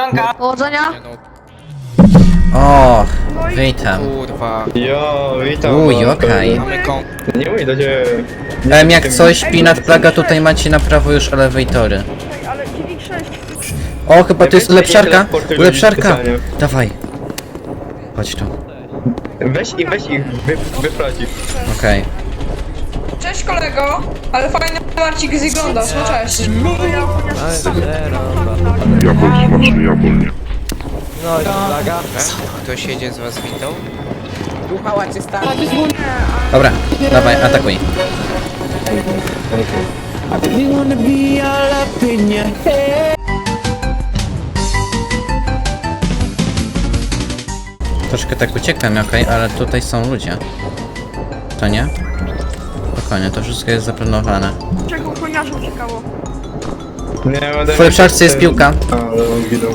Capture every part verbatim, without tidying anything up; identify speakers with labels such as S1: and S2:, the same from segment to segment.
S1: Powodzonka!
S2: Powodzenia.
S3: Nie no,
S4: O, witam.
S3: kurwa.
S5: Jo, witam.
S4: Uj,
S5: no,
S4: okej.
S3: Mamy kom...
S5: Nie mówię do ciebie.
S4: Em, jak coś, Pinat Plaga, tutaj macie na prawo już elewatory.
S2: Ale dziewięć sześć.
S4: O, chyba to jest
S5: Weź
S4: ulepszarka.
S5: teleportuj
S4: Ulepszarka.
S5: ludzi w
S4: Dawaj. Chodź tu.
S5: Weź ich, weź ich, wy, wyprowadzi.
S4: Okej.
S6: Cześć kolego, ale fajny Marcik wyglądasz, no cześć.
S7: Jabol, smaczny jabol, nie?
S3: Ktoś jedzie z was windą?
S4: Dobra, dawaj, atakuj. Troszkę tak uciekłem, okej, ale tutaj są ludzie. To nie? Spokojnie, to wszystko jest zaplanowane.
S2: Czego ochroniarza uciekało?
S5: Nie, będę...
S4: W ulepszarce jest piłka.
S5: A, ale on zginął.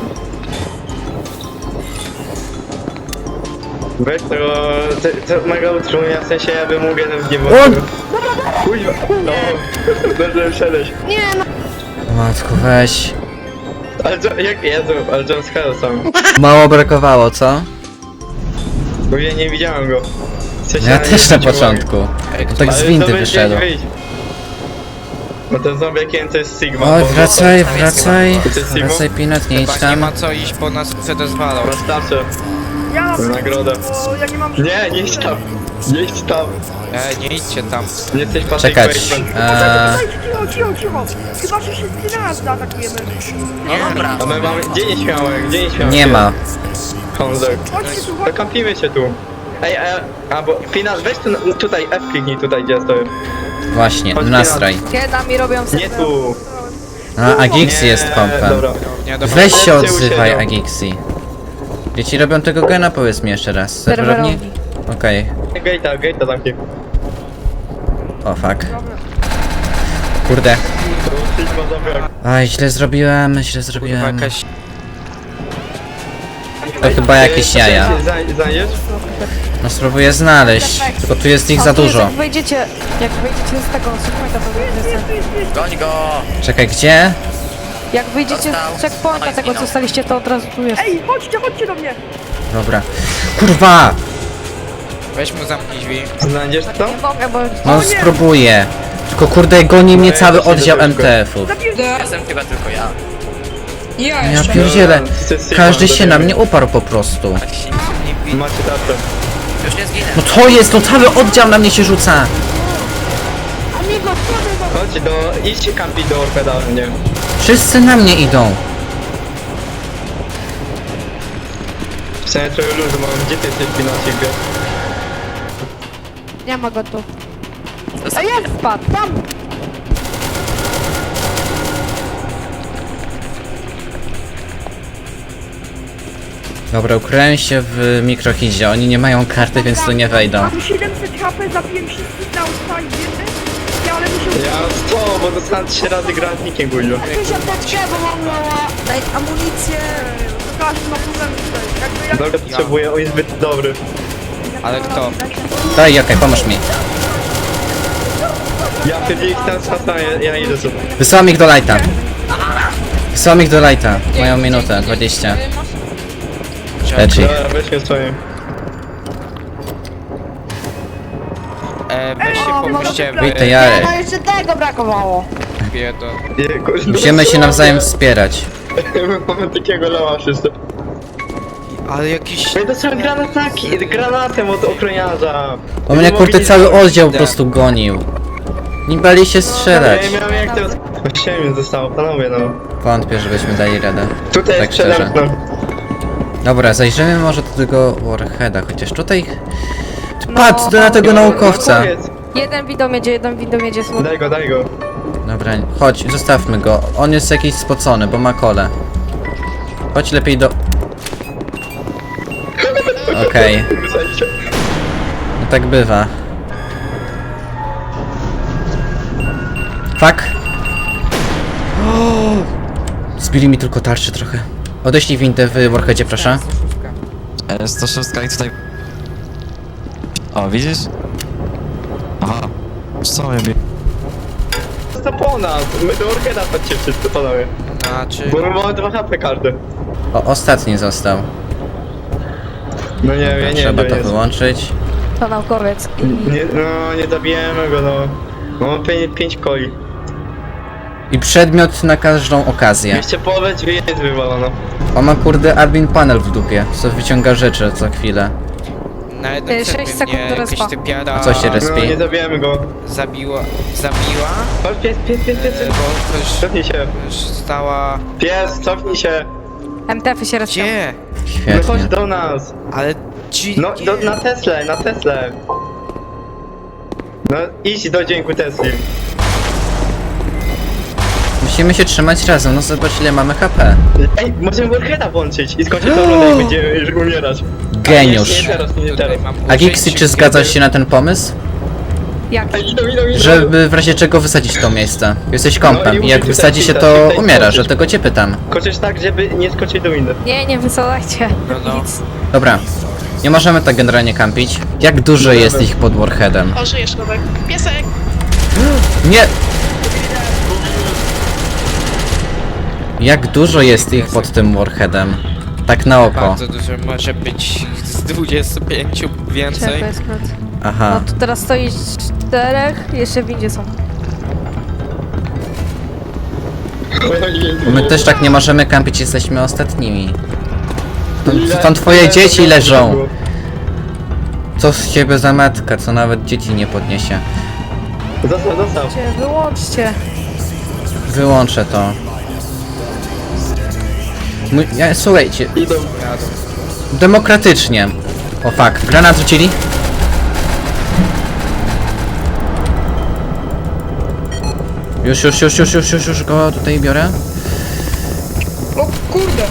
S5: Weź tego, te, te mega utrudnia, w sensie ja bym mógł jeden w niebo.
S4: On!
S5: Kuźwa, no, dobrze wszedłeś.
S2: Nie no.
S4: Matko, weź.
S5: Ale co, jak, Jezu, ale John Scott sam.
S4: Mało brakowało, co?
S5: Bo ja nie widziałem go. W sensie,
S4: Ja
S5: nie
S4: też na
S5: zwrócił
S4: początku.
S3: Ej,
S4: To tak
S5: uwagi.
S4: z
S5: Ale
S4: windy
S5: to
S4: wyszedł.
S5: wyjdź, wyjdź. Bo ten zombiakiem to jest Sigma.
S4: Oj,
S5: bo-
S4: wracaj, wracaj.
S5: To jest Sigma?
S4: Wracaj, Pinat, nie idź
S3: Chyba nie
S4: tam.
S3: ma co iść, bo nas przedozwalą.
S5: Wystarczy.
S2: Ja mam
S5: Nagroda.
S2: bo ja nie mam...
S5: Nie, nie idź tam. Nie idź tam.
S3: Ej, nie idźcie tam.
S5: Nie jesteś Patrick
S4: Czekać.
S5: Bateman.
S4: Eee,
S2: Cicho, cicho, cicho. Chyba, że się z nas zaatakujemy.
S5: A my mamy... Gdzie nieśmiałek? Gdzie nieśmiałek?
S4: nie ma.
S5: Honzek.
S2: Chodźcie tu,
S5: To
S2: chodźcie.
S5: kampimy się tu. Ej, e, a bo Final, weź tu, na- tutaj, F kliknij tutaj, gdzie stoję.
S4: Właśnie,
S5: Chodź,
S4: nastraj.
S6: Kiedy mi robią
S5: Nie tu.
S4: A, Agixi
S5: Nie,
S4: jest kompem.
S5: Dobra.
S3: Nie, do...
S4: Weź się
S5: Chodźcie,
S4: odzywaj,
S5: usiedzą.
S4: Agixi. Dzieci robią tego gena, powiedz mi jeszcze raz. Serwerowni? Okej.
S5: Gate'a, gate'a zamknij.
S4: O, fuck. Kurde.
S5: To Sigma zombiak.
S4: Aj, źle zrobiłem, źle
S3: Kurwa,
S4: zrobiłem.
S3: jakaś...
S4: To chyba jakieś jaja.
S5: Znajdziesz?
S4: No spróbuję znaleźć, tylko tu jest ich za dużo.
S6: Jak wyjdziecie, jak wyjdziecie z tego checkpointa, to wyjdziecie.
S4: Czekaj, gdzie?
S6: Jak wyjdziecie z checkpointa tego co staliście, to od razu tu jest.
S2: Ej, chodźcie, chodźcie do mnie.
S4: Dobra. Kurwa!
S3: Weź mu zamknij drzwi.
S5: Znajdziesz to?
S6: Nie mogę, bo...
S4: No spróbuję. Tylko kurde, goni mnie cały oddział M T F-ów.
S2: Zabiję
S6: Ja
S4: Ja
S6: jeszcze.
S4: pierdzielę.
S5: To jest Sigma,
S4: Każdy się na
S5: zabijamy.
S4: mnie uparł po prostu.
S5: Macie tarczę.
S4: No to jest, no cały oddział na mnie się rzuca.
S5: Chodźcie do... Idźcie kampi do Orpeda, nie?
S4: Wszyscy na mnie idą.
S5: W sensie trochę luzu mam. Gdzie ty jesteś, Pinocchio?
S6: Nie ma go tu. A jest spadł, tam!
S4: Dobra, ukryłem się w mikrohidzie. Oni nie mają karty, więc tu nie wejdą.
S2: Mam siedemset H P, zabiłem wszystkich na ustali, wiecie? Ja, ale muszę...
S5: Ja sto, bo dostałem trzy razy granatnikiem, guźlo.
S6: Daj amunicję!
S2: To każdy ma problem tutaj. Jakby ja...
S5: Dobra, potrzebuję, on jest zbyt dobry.
S3: Ale kto?
S4: Daj, okej, pomóż mi.
S5: Ja wtedy ich tam spasam, ja, ja idę sobie.
S4: Wysyłam ich do lighta. Wysyłam ich do lighta. Mają minutę, dwadzieścia. Leczy ich.
S5: Dobra, weźmy swoje.
S3: E, weź się pomóżcie w...
S4: Witaj, Jarek.
S6: jeszcze tego brakowało!
S3: biedo.
S5: Nie, kurde,
S4: Musimy się nawzajem wspierać.
S5: My mamy takiego lała wszyscy.
S3: Ale jakiś...
S5: My dostałem granataki, granatem od ochroniarza.
S4: Bo mnie kurde cały oddział po prostu gonił. Nie bali się strzelać.
S5: Ja nie miałem jak teraz... siedem minut zostało, panowie no.
S4: Wątpię, żebyśmy dali radę.
S5: Tutaj
S4: Tak
S5: jest przede
S4: szczerze.
S5: mną.
S4: Dobra, zajrzymy może do tego Warheada, chociaż tutaj... Patrz na tego naukowca.
S5: Powiedz.
S6: Jeden widomiedzie, jeden widomiedzie słowo.
S5: Daj go, daj go.
S4: Dobra, chodź, zostawmy go. On jest jakiś spocony, bo ma kole. Chodź lepiej do... Okej,
S5: Słuchajcie.
S4: no tak bywa. Fuck. Zbili mi tylko tarczy trochę. Odeślij windę w Warheadzie, proszę.
S8: E, sto sześć i tutaj... O, widzisz? Aha. Co mnie bi...
S5: To po nas, my do Orgena patrzcie wszyscy, panowie.
S3: Znaczy...
S5: Bo my mamy dwa H P każdy.
S4: O, ostatni został.
S5: No nie wiem, ja nie wiem,
S4: Trzeba
S5: gdzie
S4: to
S5: jest.
S4: wyłączyć.
S2: To naukowiec.
S5: Nie, no, nie zabijemy go, no. Mam pięć, pięć koi.
S4: I przedmiot na każdą okazję.
S5: Jeszcze połowę drzwi jest wywalono.
S4: On ma kurde admin panel w dupie, co wyciąga rzeczy co chwilę.
S3: Na jednym
S2: Y, sześć
S3: serwie
S2: sekund
S3: mnie
S2: do
S3: jakaś
S2: respa.
S3: typiara
S4: A co się respi?
S5: No, nie zabijemy go.
S3: zabiła, zabiła,
S5: Chodź, pies, pies, pies, pies,
S3: e,
S5: pies.
S3: bo też,
S5: Cofnij się.
S3: też stała...
S5: Pies, cofnij się.
S2: M T F-y się rozciął.
S3: Gdzie?
S5: No chodź
S4: Świetnie.
S5: do nas.
S3: Ale gdzie?
S5: No, do, na Teslę, na Teslę. No, idź do dzięku Tesli.
S4: Musimy się trzymać razem, no zobacz ile mamy H P.
S5: Ej, możemy Warheada włączyć i skończyć tą rundę i będziemy już umierać.
S4: Geniusz.
S5: Nie teraz, nie
S3: Tutaj
S5: teraz.
S3: mam
S4: A Gixi,
S3: użycie,
S4: czy zgadzasz się na ten pomysł?
S2: Jak?
S5: Ej, idą, idą, idą.
S4: Żeby w razie czego wysadzić to miejsce. Jesteś
S5: No
S4: kompem
S5: i
S4: i jak
S5: musisz
S4: wysadzi się
S5: tutaj
S4: to
S5: pisać, tutaj
S4: umierasz,
S5: skoczyć.
S4: dlatego cię pytam.
S5: Koczysz tak, żeby nie skoczyć do windy.
S2: Nie, nie wysadzajcie.
S3: No, no.
S2: Nic.
S4: Dobra. Nie możemy tak generalnie kampić. Jak dużo jest ich pod Warheadem?
S1: O, żyjesz, Nowek. Piesek!
S4: Nie! Jak dużo jest ich pod tym Warheadem? Tak na oko.
S3: Bardzo dużo, może być z dwudziestu pięciu więcej.
S2: Czekaj, jest krót.
S4: Aha.
S2: No tu teraz stoi czterech, jeszcze w windzie są.
S4: Bo my też tak nie możemy kampić, jesteśmy ostatnimi. Tam, tam twoje dzieci leżą. Co z ciebie za matka, co nawet dzieci nie podniesie.
S5: Zostaw, zostaw.
S2: Cię, wyłączcie.
S4: Wyłączę to. Mój, ja, słuchajcie,
S5: Idą.
S4: demokratycznie. O fuck, granat rzucili? Już, już, już, już, już, już, już go tutaj biorę.
S6: O kurde.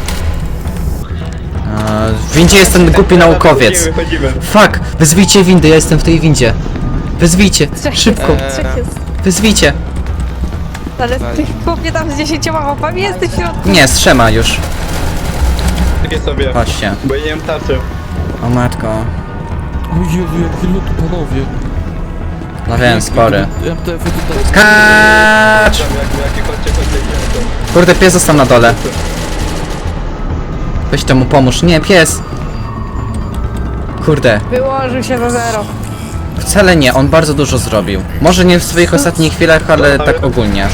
S4: A, w windzie jest ten głupi naukowiec.
S5: Wychodzimy, wychodzimy.
S4: Fuck, wezwijcie windy, ja jestem w tej windzie. Wezwijcie,
S2: Trzech
S4: szybko,
S2: jest, trzech jest.
S4: wezwijcie.
S2: Ale ty chłopie tam z dziesięcioma łapami jesteś w środku.
S4: Nie, z trzema już.
S5: Takie sobie.
S4: Chodźcie.
S5: Bo ja nie mam tarczy.
S4: O matko.
S9: O Jezu, jakie lód, panowie.
S4: No wiem, spory.
S9: M T F-y tutaj.
S4: Skacz!
S5: Tam jak, jakie chodźcie, chodźcie, chodźcie.
S4: Kurde, pies został na dole. Weź temu pomóż. Nie, pies! Kurde,
S2: Wyłożył się za zero.
S4: wcale nie, on bardzo dużo zrobił. Może nie w swoich ostatnich chwilach, ale tak ogólnie.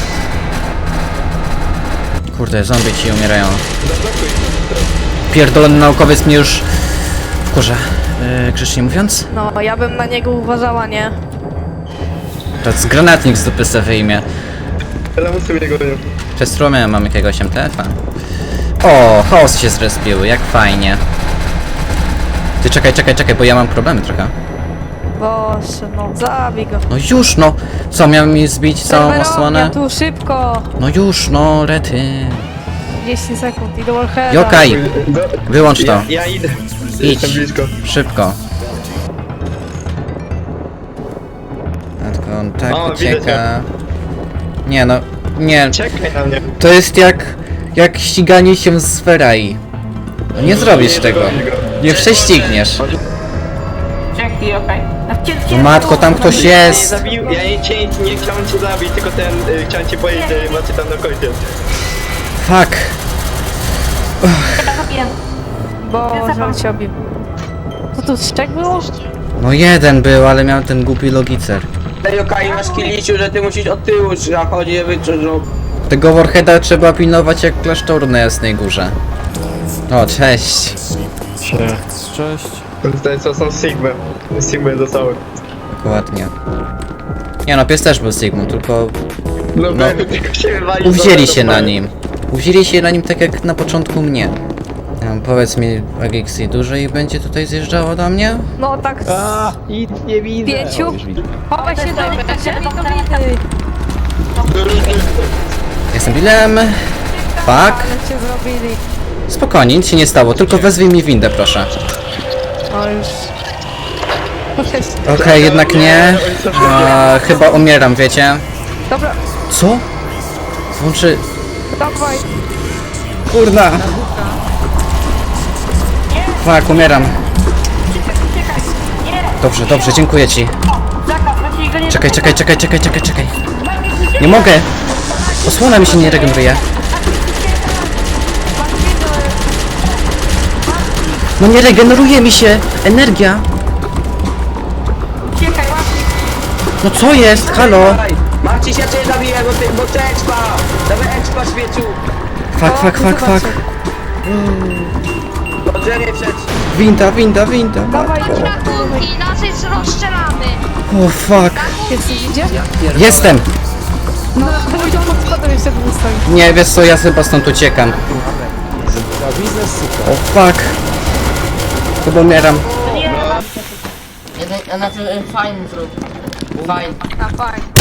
S4: Kurde, zombie ci umierają. Pierdolony naukowiec mnie już wkurza. Yy, grzecznie mówiąc?
S2: No, ja bym na niego uważała, nie?
S4: To z granatnik z dupy se wyjmie.
S5: Ale musimy jego nie.
S4: Przez strumę mam jakiegoś M T F-a. O, chaos się zrespiły, jak fajnie. Ty czekaj, czekaj, czekaj, bo ja mam problemy trochę.
S2: Boże, no, zabij go.
S4: No już no! Co, miałem mi zbić całą
S2: Serwerownia
S4: osłonę?
S2: tu, szybko!
S4: No już no, rety.
S2: trzydzieści sekund i do Warheada.
S4: Jokaj,
S5: Do...
S4: wyłącz to.
S5: Ja, ja idę.
S4: Idź.
S5: Jestem blisko.
S4: Szybko. Matko, on tak
S5: O,
S4: ucieka.
S5: widzę
S4: Nie no, nie.
S5: Czekaj na mnie.
S4: To jest jak, jak ściganie się z Ferrari. No nie zrobisz tego.
S5: zrobisz go.
S4: Nie prześcigniesz.
S1: Dzięki, okej.
S4: No matko, tam ktoś
S5: Ja nie
S4: jest.
S5: zabił, ja nie, cię, nie chciałem cię zabić, tylko ten, y, chciałem cię powiedzieć, że macie tam na końcu.
S4: Fuck.
S2: Boże, on się obił. Co tu, szczek było?
S4: No jeden był, ale miał ten głupi logicer.
S10: Ej, okej, masz kiliciu, że ty musisz od tyłu zachodzić, żeby no.
S4: Tego Warheada trzeba pilnować jak klasztor na Jasnej Górze. O, cześć.
S9: Cześć.
S5: Tutaj co są Sigmy. Sigmy zostały.
S4: Dokładnie. Nie no, pies też był Sigmą, tylko
S5: No,
S4: No.
S5: no tylko się wywalił.
S4: uwzięli
S5: do-
S4: się
S5: do-
S4: na nim. Uwzięli się na nim tak jak na początku mnie. Um, powiedz mi, Agixi, dużo ich będzie tutaj zjeżdżało do mnie?
S2: No tak z
S5: Nic nie widzę.
S2: pięciu. Chowaj się do windy, żeby do windy.
S4: Jestem Billem. Fuck.
S2: Ale cię zrobili.
S4: Spokojnie, nic się nie stało, tylko wezwij mi windę, proszę.
S2: No już.
S4: Okej, jednak nie. A, chyba umieram, wiecie?
S2: Dobra,
S4: Co? Włączy...
S2: dawaj.
S4: Kurna! Fuck, umieram. Dobrze, dobrze, dziękuję ci. Czekaj, czekaj, czekaj, czekaj, czekaj, czekaj. Nie mogę! Osłona mi się nie regeneruje. No nie regeneruje mi się energia.
S6: Uciekaj, Marcin.
S4: No co jest? Halo?
S10: Dawaj. Marcin się cię zabije, bo ty, bo ty expa! Dawaj expa, śmieciu!
S4: Fuck, fuck, fuck, fuck.
S10: Do drzewie przed.
S4: Winda, winda, winda.
S2: Dawaj,
S11: Ratunki, nas jest rozstrzelamy.
S4: O fuck.
S2: jesteś gdzie?
S4: Jestem.
S2: No, dawaj, to pod spodem jeszcze wystawi.
S4: Nie, wiesz co, ja chyba stąd uciekam. O fuck. Chyba umieram.
S11: Jeden, znaczy fajny zrób. Fajny. A fajny.